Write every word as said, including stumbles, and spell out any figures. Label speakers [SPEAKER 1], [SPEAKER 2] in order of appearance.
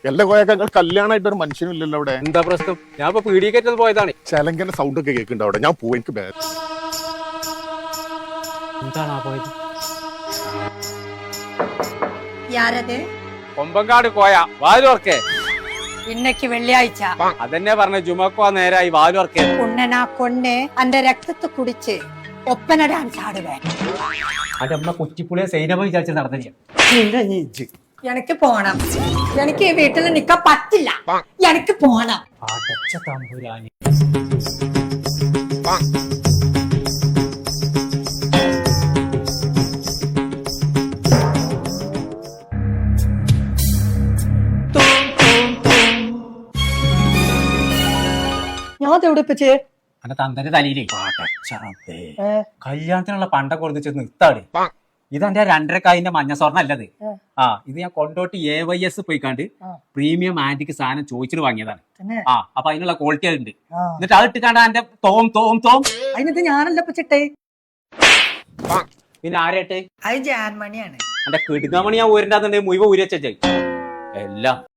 [SPEAKER 1] എല്ലാ കോയക്ക കല്യാണമായിട്ട് ഒരു മനുഷ്യനും ഇല്ലല്ലോ അവിടെ.
[SPEAKER 2] എന്താ പ്രശ്നം? ഞാൻ ഇപ്പൊ പീഡിയക്കേറ്റത് പോയതാണ്.
[SPEAKER 1] ചെലങ്കന്റെ സൗണ്ട് ഒക്കെ കേൾക്കുന്നുണ്ട് അവിടെ. ഞാൻ പോവും, എനിക്ക് ബേ-
[SPEAKER 2] എന്താണ് പോയത്?
[SPEAKER 3] யாரது?
[SPEAKER 2] കൊമ്പങ്കാട് കോയ വാലുവർക്കേ.
[SPEAKER 3] இன்னைக்கு வெள்ளியாഴ്ച.
[SPEAKER 2] അതെന്നെ പറഞ്ഞ ജുമക്കോ നേരായി വാലുവർക്കേ.
[SPEAKER 3] உன்னை நான் கொன்னு அந்த ரத்தத்தை குடிச்சு ஒப்பனை டான்ஸ் ஆடுவேன்.
[SPEAKER 2] അന്റെ അമ്മ കുറ്റിപ്പുളിയെ സൈനമ വിചാരിച്ച് നടന്നില്ല.
[SPEAKER 3] எனக்கு போണം. எனக்கு ഈ വീട്ടിൽ നിൽക്കാൻ പറ്റില്ല. എനിക്ക് പോണം.
[SPEAKER 2] അടച്ച തമ്പുരാനി.
[SPEAKER 3] ഞാൻ തെവിടിപ്പിച്ച്
[SPEAKER 2] അന്റെ തന്തന്റെ തലയിലേ കല്യാണത്തിനുള്ള പണ്ടൊക്കെ കൊടുത്ത് നിർത്താട്. ഇത് എന്റെ രണ്ടരക്കായിന്റെ മഞ്ഞ സ്വർണ്ണം അല്ലത്. ആ ഇത് ഞാൻ കൊണ്ടോട്ട് എ വൈ എസ് പോയിക്കാണ്ട് പ്രീമിയം ആന്റിക്ക് സാധനം ചോദിച്ചിട്ട് വാങ്ങിയതാണ്. ആ അപ്പൊ അതിനുള്ള ക്വാളിറ്റി ഉണ്ട്. എന്നിട്ട് അത് ഇട്ടിക്കാണ്ട് എന്റെ തോം തോം തോം
[SPEAKER 3] അതിനത് ഞാനല്ല പച്ചിട്ടേ.
[SPEAKER 2] പിന്നെ ആരായിട്ട്
[SPEAKER 3] അത് ജാൻമണിയാണ്.
[SPEAKER 2] എന്റെ കിടുങ്ങാമണി ഞാൻ ഊരണ്ടാന്നുണ്ടെങ്കിൽ മുഴുവൻ ഊരി വെച്ചായി എല്ലാം